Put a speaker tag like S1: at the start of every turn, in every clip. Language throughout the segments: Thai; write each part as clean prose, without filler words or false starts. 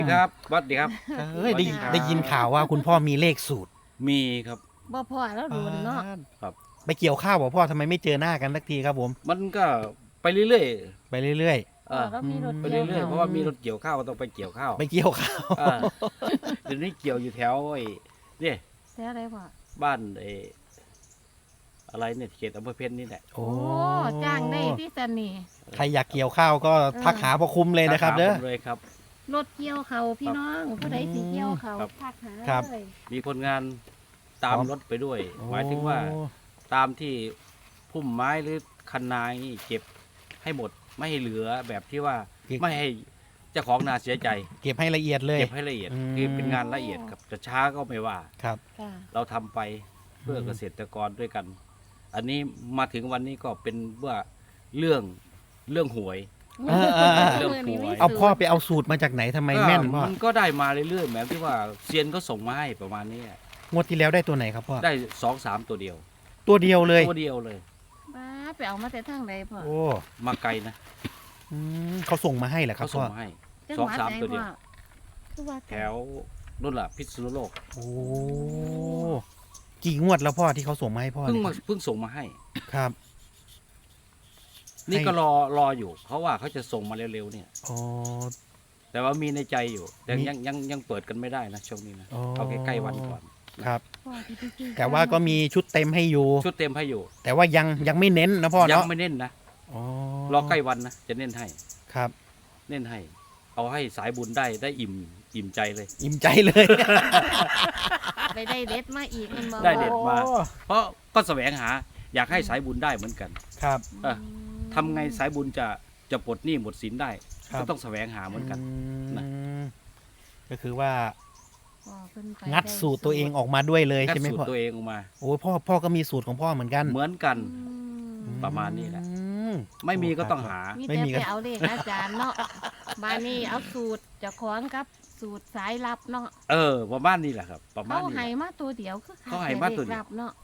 S1: ครับสวัสดีครับ
S2: ได้ยินข่าวว่าคุณพ่อมีเลขสูตร
S1: มีครับ
S3: บ่พ่อแล้วโดนเนาะ
S1: ครับ
S2: ไปเกี่ยวข้าวบอกพ่อทำไมไม่เจอหน้ากันสักทีครับผม
S1: มันก็ไปเรื่อย
S2: ไปเรื่อย
S1: ๆ
S3: พ่อก็มีรถ
S1: ไป
S3: เกี่ยว
S1: เรื่อยๆเพราะว่ามีรถเกี่ยวข้าวก็ต้องไปเกี่ยวข้าว
S2: ๆไปเกี่ยวข้าว
S1: เดี๋ยวนี้เกี่ยวอยู่แถวไอ้เนี่ย
S3: แท้อะไรพ่อ
S1: บ้านไอ้อะไรเนี่ยเขตอำเภอเพชรนี่แหละ
S2: โอ้
S3: โอ้จ้างได้ที่สันนี่
S2: ใครอยากเกี่ยวข้าวก็ทักหาพ่อคุ้มเลยนะครับเด้อ
S1: ถามผมเลยครับ
S3: รถเกี่ยวเขาพี่น้องผู้ใดสิเกี่ยวเขา
S1: ครับ
S3: ทักหา
S2: ครับ
S3: เลย
S1: มีคนงานตามรถไปด้วย หมายถึงว่าตามที่พุ่มไม้หรือคันนานี่เก็บให้หมดไม่ให้เหลือแบบที่ว่าไม่ให้เจ้าของนาเสียใจ
S2: เก็บให้ละเอียดเลย
S1: เก็บให้ละเอียด
S2: อืม
S1: คือเป็นงานละเอียดครับจะช้าก็ไม่ว่า
S2: ครับ
S3: ค่ะ
S1: เราทำไปเพื่อเกษตรกรด้วยกัน อันนี้มาถึงวันนี้ก็เป็นว่าเรื่องหวย เรื่องหวย
S2: เอาพ่อไปเอาสูตรมาจากไหนทำไมแม่นพ่อ
S1: มันก็ได้มาเรื่อยๆแบบที่ว่าเซียนก็ส่งมาให้ประมาณนี้
S2: งวดที่แล้วได้ตัวไหนครับพ่อ
S1: ได้2-3ตัวเดียว
S2: ตัวเดียวเลย
S1: ตัวเดียวเลย
S3: บ้าไปเอามาแต่ทางใดพ่อ
S2: โอ้
S1: มาไกลนะ
S2: เขาส่งมาให้เหรอครั
S1: เขา
S2: บ
S1: ส่
S2: พ่
S1: ง
S2: อ
S1: มาให้
S3: จัง
S1: สอง
S3: หวัด
S1: สาม
S3: ไหน
S1: ตัวเดียว
S3: พ่อคือว่า
S1: แถวนู่นล่ะพิษณุโลก
S2: โอ้กี่งวดแล้วพ่อที่เขาส่งมาให้พ่อ
S1: เพิ่ง
S2: เนี่ย
S1: มาเพิ่งส่งมาให้
S2: ครับ
S1: นี่
S2: ให้
S1: ก็รออยู่เขาว่าเขาจะส่งมาเร็วๆเนี่ย
S2: อ๋อ
S1: แต่ว่ามีในใจอยู่แต่
S2: มี
S1: ยังเปิดกันไม่ได้นะช่วงนี้นะ
S2: อ๋อ
S1: เอาใกล้ๆวันก่อน
S2: ครับ
S3: พ่อที่ไปซื้อ
S2: แต่ว่าก็มีชุดเต็มให้อยู่
S1: ชุดเต็มให้อยู่
S2: แต่ว่ายังไม่เน้นนะพ่อ
S1: ยั
S2: เนาะ
S1: ไม่เน้นนะ
S2: อ๋อ
S1: รอใกล้วันนะจะเน้นให้
S2: ครับ
S1: เน้นให้ เอาให้สายบุญได้อิ่มใจเลย
S2: อิ่มใจเลย
S3: ไปได้เด็ดมาอีกมันบ่
S1: ได้เด็ดมา เพราะก็แสวงหาอยากให้สายบุญได้เหมือนกัน
S2: ครับ
S1: เออ ทำไงสายบุญจะปลดหนี้หมดสินได้
S2: ครับ
S1: ก็ต้องแสวงหาเหมือนกัน นะ
S2: ก็คือว่า
S3: พ่อเพิ่นไป
S2: งัดสูตรตัวเองออกมาด้วยเลย
S1: งัด
S2: ใช่ไหม
S1: สูต
S2: พ่อ
S1: รตัวเองออกมา
S2: โอ้ยพ่อก็มีสูตรของพ่อเหมือนกัน
S1: เหมือนกัน
S3: อืม
S1: ประมาณนี้แหละ
S2: อืม
S1: ไม่มีก็ต้องหา
S3: มี
S2: ไม่
S3: แต่
S2: มีก็
S3: ไปเอาเลขอาจารย์เนาะบ้านนี้เอาสูตรเจะคล้าของกับสูตรสายลับเนาะ
S1: ประมาณนี้แหละครับ ประมาณ
S3: เขา
S1: นี้
S3: ให้
S1: แหละ
S3: มาตัวเดียวคือ
S1: เขาให้มาตัวเดียว
S3: ลับเนาะ
S2: โอ้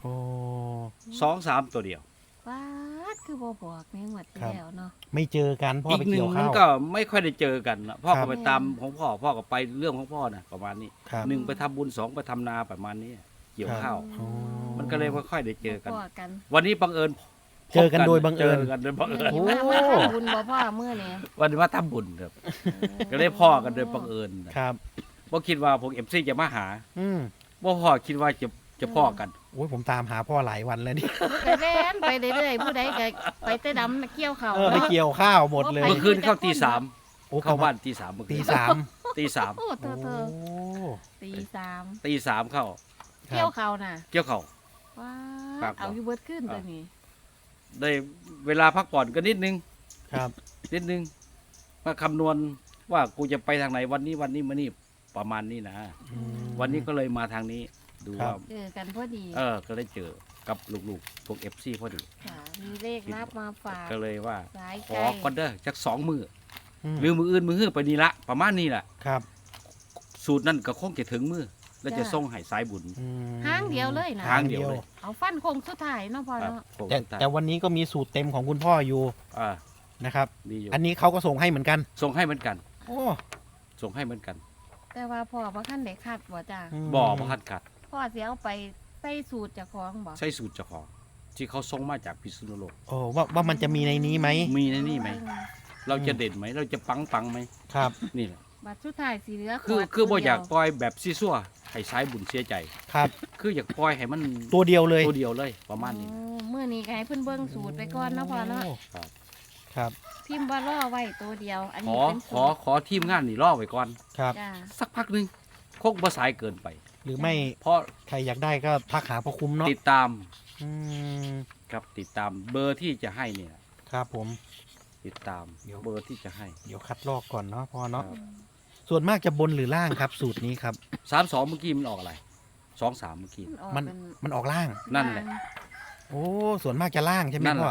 S1: 2-3 ตัวเดียว
S3: ว้าดคือบ่บอกในงวดที่
S2: ครับ
S3: แล้วเนาะ
S2: ไม่เจอกันพ่อ
S1: อี
S2: ไป
S1: กหนึ่
S2: เกี่
S1: ง
S2: ยว
S1: มั
S2: ข้าน ว
S1: ก็ไม่ค่อยได้เจอกันนะพ่อ
S2: ครั
S1: ก็
S2: บ
S1: ไปตามของพ่อก็ไปเรื่องของพ่อนะประมาณนี้
S2: ครับ
S1: 1ไปทำบุญ2ไปทำนาประมาณนี้เกี่ยวข้าว
S2: อ๋อ
S1: มันก็เลยไม่ค่อยได้เจอกัน
S3: บ่กัน
S1: วันนี้บังเอิญ
S2: เจอกันโดยบังเอิญ
S1: เจอกันโดยบังเอิญ
S2: โอ้
S3: มาทำบุญบ่พ่อเมื่อนี้
S1: วันนี้ว่าทำบุญครับก็ได้พ่อกันโดยบังเอิญนะครับ บ่คิดว่าพวกเอฟซีจะมาหา
S2: อืม
S1: บ่พ่อคิดว่าจะพ่อกัน
S2: โอ้ยผมตามหาพ่อหลายวันแล้วนี่
S3: ไปเล่นไปเรื่อยๆผู้ใดก็ไปแต่ดำเกี่ยวเขา
S2: ไปเกี่ยวข้าวหมดเลย
S1: เมื่อคืนเข้าตีสาม
S2: โอ้
S1: เข้าบ้านตีสามเมื่อคื
S2: ตี
S1: น
S2: สาม
S1: ตีสาม
S3: โอ้เธอ
S2: โอ้
S3: ตีสาม
S1: ตีสามเข้า
S2: ครั
S3: เกี่ย
S2: บ
S3: วเขาน่ะ
S1: เกี่ยวเข่า
S3: ว้า
S1: ครับ
S3: เอาอยู่เบิดขึ้นตัวนี้
S1: ได้เวลาพักผ่อนก็นิดนึง
S2: ครับ
S1: นิดนึงมาคำนวณว่ากูจะไปทางไหนวันนี้มานี่ประมาณนี้นะ
S2: อืม
S1: วันนี้ก็เลยมาทางนี้ ดู
S2: ครั
S1: ว่า
S2: บ
S3: เจอกันพอดี
S1: ก็ได้เจอกับลูกๆพวกเอฟซีพอดี
S3: ค่ะมีเลขรับมาฝาก
S1: ก็เลยว่า
S3: สาย
S1: ข
S3: ไก
S1: อ
S3: ล
S1: ก่อนเด้อจัก2 มือ
S2: ม
S1: หรือมืออื่นมือฮื้อไปนี่ละประมาณนี้แหละ
S2: ครับ
S1: สูตรนั่นก็คงจะถึงมือ แล้วจะส่งให้สายบุญ
S2: อืม
S3: ห้างเดียวเลยนะ
S1: ทางเดียวเลย
S3: เอาฟันคงสุดท้ายเนาะพ่อ
S1: ครับ
S3: เนาะ
S1: ผม
S2: แต่วันนี้ก็มีสูตรเต็มของคุณพ่ออยู่
S1: อ่า
S2: นะครับ
S1: ดีอยู่
S2: อันนี้เขาก็ส่งให้เหมือนกัน
S1: ส่งให้เหมือนกัน
S2: โอ้
S1: ส่งให้เหมือนกัน
S3: แต่ว่าพ่อบ่คันได้คัดบ่จ้า
S2: ม
S1: บ่อพระคัดขัด
S3: พ่อสิเอาไปใส่สูตรเจ้าของบ่
S1: ใช่สูตรเจ้าของที่เขาส่งมาจากพิษณุโลก
S2: โอ้ว่ามันจะมีในนี้ไหม
S1: มีในนี่ไหม เราจะเด่นไหม เราจะปังไหม
S2: ครับ
S1: นี่แหละ
S3: บัตรสุดท้ายสีเหลือ
S1: คือบ่อยาก
S3: ตัว
S1: ปล่อยแบบซีซัวให้สายบุญเสียใจ
S2: ครับ
S1: คืออยากปล่อยให้มัน
S2: ตัวเดียวเลย
S1: ตัวเดียวเลยประมาณนี้
S3: โอ้มื้อนี้ก็ให้เพิ่นเบิ่งสูตรไปก่อนเนาะพ่อเนาะ
S2: โอ้
S1: ครับ
S2: ครับ
S3: พิมพ์ว่ารอไว้ตัวเดียว อัน
S1: ข
S3: นี้
S1: อ
S3: เป็น
S1: ข
S3: สู
S1: อ
S3: ตร
S1: ขอทีมงานนี่รอไว้ก่อน
S2: ครับ
S3: จ้า
S1: สักพักหนึงคงบ่สายเกินไป
S2: หรือไม่
S1: เพราะ
S2: ใครอยากได้ก็ทักหาพ่อคุ้มเนาะ
S1: ติดตาม
S2: อืม
S1: ครับติดตามเบอร์ที่จะให้เนี่ย
S2: ครับผม
S1: ติดตาม
S2: เดี๋ยว
S1: เบอร์ที่จะให้
S2: เดี๋ยวคัดลอกก่อนเนาะพ่อเนาะ
S1: ครับ
S2: ส่วนมากจะบนหรือล่างครับ สูตรนี้ครับ
S1: 32เมื่อกี้มันออกอะไร23เมื่อกี้
S3: ออก
S2: มัน
S3: เป็น
S2: มันออกล่าง
S1: นั่นแหละ
S2: โอ้ส่วนมากจะล่างใช่ไหม
S1: นั่นแห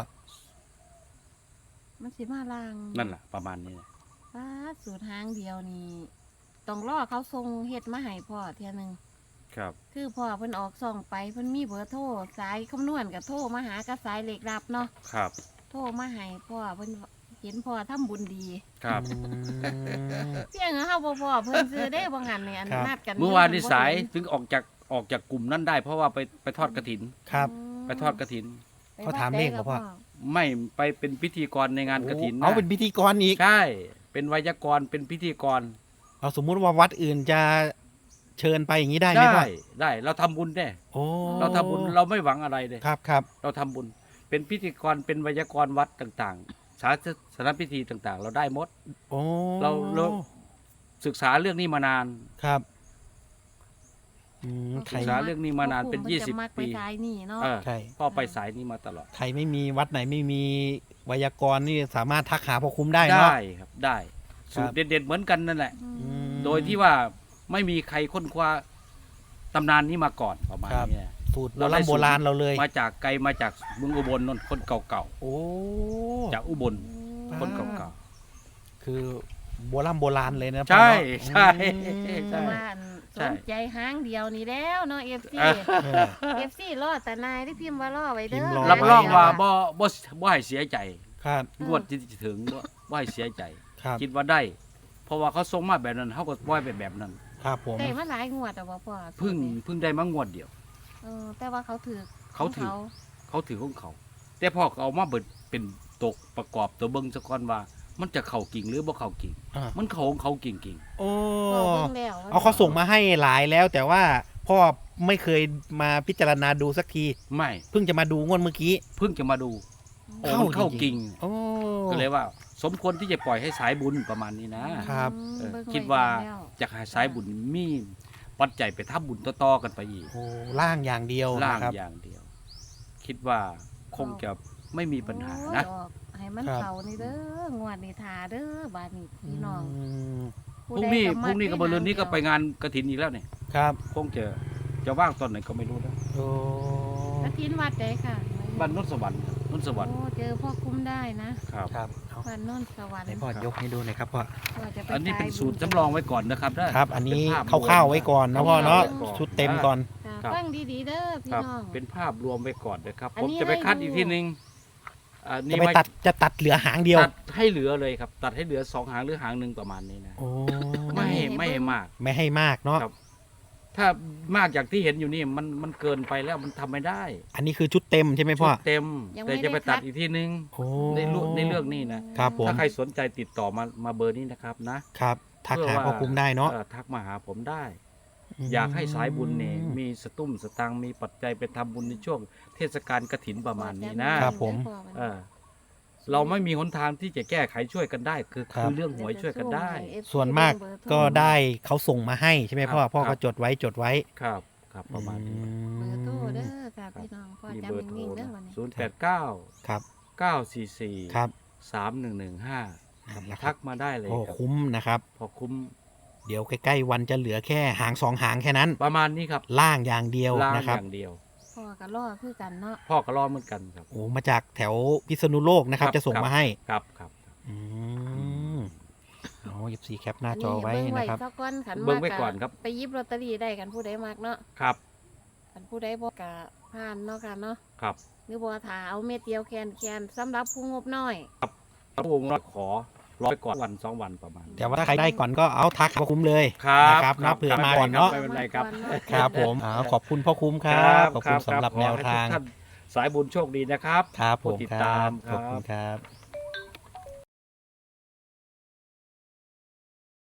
S2: พ่อ
S1: ละ
S3: มันสิมาลาง
S1: นั่นแหละประมาณนี้
S3: ป้าดสูตรหางเดียวนี่ต้องรอเขาส่งเฮ็ดมาให้พ่อเที่ยหนึง
S1: ครับ
S3: คือพ่อเพิ่นออกส่องไปเพิ่นมีเบอร์โทรสายคำนวณกับโทรมาหากับสายเลขลับเนาะ
S1: ครับ
S3: โทรมาให้พ่อเพิ่นเห็นพ่อทำบุญดี
S1: ครับ
S3: เพียงเฮาบ่พอเพิ่นซื้อได้บ่งั้นเนี่ยอัน
S2: ครับ
S3: นัดกัน
S1: เมื่อวานนี้
S3: บ่
S1: สาย
S3: เห็น
S1: ถึงออกจากกลุ่มนั้นได้ เพราะว่าไปทอดกฐิน
S2: ครับ
S1: ไปทอดกฐิน
S3: ไป
S2: เขาถามเลขเหรอพ่อ
S1: ไม่ไปเป็นพิธีกรในงานกฐิน
S2: เอาเป็นพิธีกรอีก
S1: ใช่ เป็นไวยากรณ์เป็นพิธีกร
S2: เอาสมมุติว่าวัดอื่นจะเชิญไปอย่างนี้ได้ไหมพ่อ
S1: ได้เราทำบุญได้
S2: โอ้
S1: เราทำบุญเราไม่หวังอะไรเลย
S2: ครับครับ
S1: เราทำบุญ เป็นพิธีกรเป็นไวยากรณ์วัดต่างๆสถานพิธีต่างๆ เราได้หมด
S2: โอ้
S1: เรา ศึกษาเรื่องนี้มานาน
S2: ครับใคร
S1: ศึกษาเรื่องนี้มานานเป็น
S3: พ่อคุมพิ่จะมักไป
S1: 20 ปี
S3: สายนี่เนาะ
S1: เออ
S2: ใช่
S1: พ่อไปสายนี้มาตลอด
S2: ใครไม่มีวัดไหนไม่มีไวยากรณ์นี่สามารถทักหาพ่อคุ้มได้เนาะ
S1: ได้ครับได้สูตรเด็ดๆเหมือนกันนั่นแหละ
S2: ม
S1: โดยที่ว่าไม่มีใครค้นคว้าตำนานนี้มาก่อนประมาณ
S2: ครับ
S1: นี้
S2: สูตรโบราณเราเลย
S1: มาจากไกลมาจากเมืองอุบลนนคนเก่า
S2: โอ้
S1: ๆจากอุบลคนเก่า
S2: คือโบราณเลยนะ
S1: ใช่
S2: พ่อเนาะ
S1: ใช่
S2: อืม
S3: แต่ว่าอัน
S1: ใช่
S3: สนใจหางเดียวนี่แล้วเนาะ FC
S2: เออ
S3: FC รอแต่นายที่พิมพ์ว่ารอไว้เด้
S2: พิมพ์
S3: อ
S2: รอ
S1: รับรองว่า
S3: ไ
S1: บ่ให้เสียใจ
S2: ครับ
S1: งวดที่จะถึงบ่ให้เสียใจ
S2: ครับ
S1: คิดว่าได้ เพราะว่าเขาส่งมาแบบนั้นเขาก็ปล่อยไปแบบนั้น
S2: ครับผม
S3: ได้มาหลายงวดแต่ว่าพ่อ
S1: เพิ่งได้มางวดเดียว
S3: แต่ว่าเขาถือ
S1: เขาถือ เขาถือของเขา แต่พ่อก็เอามาเบิดเป็นตกประกอบตัวเบิ่งซะก่อนว่า มันจะเข้ากิ่งหรือบ่เข้ากิ่ง
S2: อ่า
S1: มันเข้าของเขากิ่ง
S2: โอ้
S3: พ่อเบิ่งแล้ว
S2: เอาเขาส่งมาให้หลายแล้ว แต่ว่าพ่อไม่เคยมาพิจารณาดูสักที
S1: ๆไม่
S2: เพิ่งจะมาดูงวดเมื่อกี้
S1: เพิ่งจะมาดูโอ้
S2: เข้า
S1: มันเข้า
S2: จริงๆ
S1: กิ่ง
S2: โอ้
S1: ก็เลยว่า สมควรที่จะปล่อยให้สายบุญประมาณนี้นะ
S2: ครับ
S1: เออ
S3: เบิ่งไ
S1: คิดว่า
S3: แล้ว
S1: จะให้สายบุญมีปัจจัยไปทำบุญต่อๆกันไปอีก
S2: โอ้ล่างอย่างเดียว
S1: ล่าง
S2: นะครับ
S1: อย่างเดียว คิดว่าคงจะไม่มีปัญหานะ
S3: โอ้ยดอกให้มัน
S2: ครับ
S3: เขานี่เด้องวดนี้ทาเด้อบาดนี้พี่น้อง
S2: ม
S1: พรุ่งนี้กับเบอร์เรือนนี้ก็ไปงานกฐินอีกแล้วเนี่ย
S2: ครับ
S1: คงจะว่างตอนไหนก็ไม่รู้นะ
S2: โอ้
S3: กระถินวัดใดค่ะ
S1: บ้านนนท์สวรรค์ครับนนท์สวรรค์
S3: โอ้เจอพ่อคุ้มได้นะครับ
S2: ครับเอา
S3: บ้านโนนสวรรค์
S2: ไหนพ่อยกให้ดูหน่อยครับพ่อ
S3: ว่าจะไป
S1: อันนี้เป็น
S3: ขาย
S1: สูตรจำลองไว้ก่อนนะครับนะครับ
S2: อันนี้
S1: เป็นภาพ
S2: คร่าวๆไว้ก่อนนะพ่อเนาะ
S1: คร่วๆไว้ก่อน
S2: ชุดเต็มก่อน
S3: ค่ะ
S1: ครับ
S3: ฟังดีๆเด้อพี่
S1: ครับ
S3: น้อง
S1: เป็นภาพรวมไว้ก่อนนะครับ
S3: อัน
S1: ผม
S3: นี้
S1: จะไปคัด
S3: ให้ดู
S1: อีกทีนึงอัน
S2: จะ
S1: นี้
S2: ไป
S1: ไว้
S2: ตัดเหลือหางเดียว
S1: ตัดให้เหลือเลยครับ ตัดให้เหลือ2 หางหรือหางหนึ่งประมาณนี้นะ
S2: โอ้
S1: ไม่ให้มาก
S2: ไม่ให้มากเนาะ
S1: ครับ ถ้ามากจากที่เห็นอยู่นี่มันเกินไปแล้วมันทำไม่ได้
S2: อันนี้คือชุดเต็มใช่ไหมพ่อ
S1: ชุดเต็ม แต่จะไปตัดอีกทีนึง
S2: โอ้
S1: ในเรื่องนี้นะครับ
S2: ผม
S1: ถ้าใครสนใจติดต่อมาเบอร์นี้นะครับนะครับ
S2: ทัก
S1: เพื่
S2: หา
S1: ว่า
S2: พ่อคุ้มได้เนาะ
S1: ทักมาหาผมได้ อยากให้สายบุญเนี่ยมีสตุ้มสตังค์มีปัจจัยไปทำบุญในช่วงเทศกาลกฐินประมาณนี้นะครับ
S2: ผม
S1: เออเราไม่มีหนทางที่จะแก้ไขช่วยกันได้ คือเรื่องหวยช่วยกันได้
S2: ส่วนมากก็ได้เขาส่งมาให้ใช่ไหมพ่อ
S1: ครับ
S2: พ่อ
S1: ครั
S2: ก็
S1: บ
S2: จดไว้
S1: ครับครับประมาณนี้
S3: เบอร์โทรเด้อค่ะพี่น้องพ่อ
S1: มี
S3: จำ
S1: เบอร์โทร
S3: นิ่งๆเด้
S1: นะ
S3: อวันนี้
S1: 089
S2: ครับ
S1: 944
S2: ครับ
S1: 3115
S2: นั่นแหละค
S1: ทั
S2: รับ
S1: กมาได้เลย
S2: โอ้
S1: ครับ
S2: คุ้มนะครับ
S1: พอคุ้ม
S2: เดี๋ยวใกล้ๆวันจะเหลือแค่หางสองหางแค่นั้น
S1: ประมาณนี้ครับ
S2: ล่างอย่างเดียว
S1: ล่าง
S2: นะครับ
S1: อย่างเดียว
S3: พ่อกับล่อคือกันเนาะ
S1: พ่อก็รอเหมือนกันครับ
S2: โอ้มาจากแถวพิษณุโลกนะครับ
S1: ครับ
S2: จะส่งมาให้
S1: ครับครับ
S2: อืมเอา14แคปหน้าจอไว้
S3: เบิ่ง
S2: นะครับ
S3: ซะก่อนขัน
S1: เบิ่ง
S3: มาก
S1: ไว้ก่อนครับ
S3: ไปหยิบลอตเตอรี่ได้กันผู้ใดมากเนาะ
S1: ครับ
S3: กันผู้ใดบ่กะผ่านเนาะค่ะเนาะ
S1: ครับ
S3: หรือบ่ถาเอาเม็ดเดียวแคนสำหรับผู้งบน้อย
S1: พระองค์ขอรอไปก่อนวัน2 วันประมาณนี้
S2: แต่ว่าถ้าใครได้ก่อนก็เอาทักพ่อคุ้มเลย
S1: ครับ
S2: นะครับ
S1: ครั
S2: นะ
S1: บ
S2: เผื่อมาก่อนเนาะ
S1: ไม่เป็นไรครับ
S2: ครับผมขอบคุณพ่อคุ้มครับขอบคุณสำหรับแนวทาง
S1: ขอให้ทุกท่านสายบุญโชคดีนะครับ
S2: ครับผม
S1: ผู้ติด
S2: ค
S1: ตา
S2: รั
S1: ม
S2: บ
S1: ครับ
S2: ขอบคุณครับ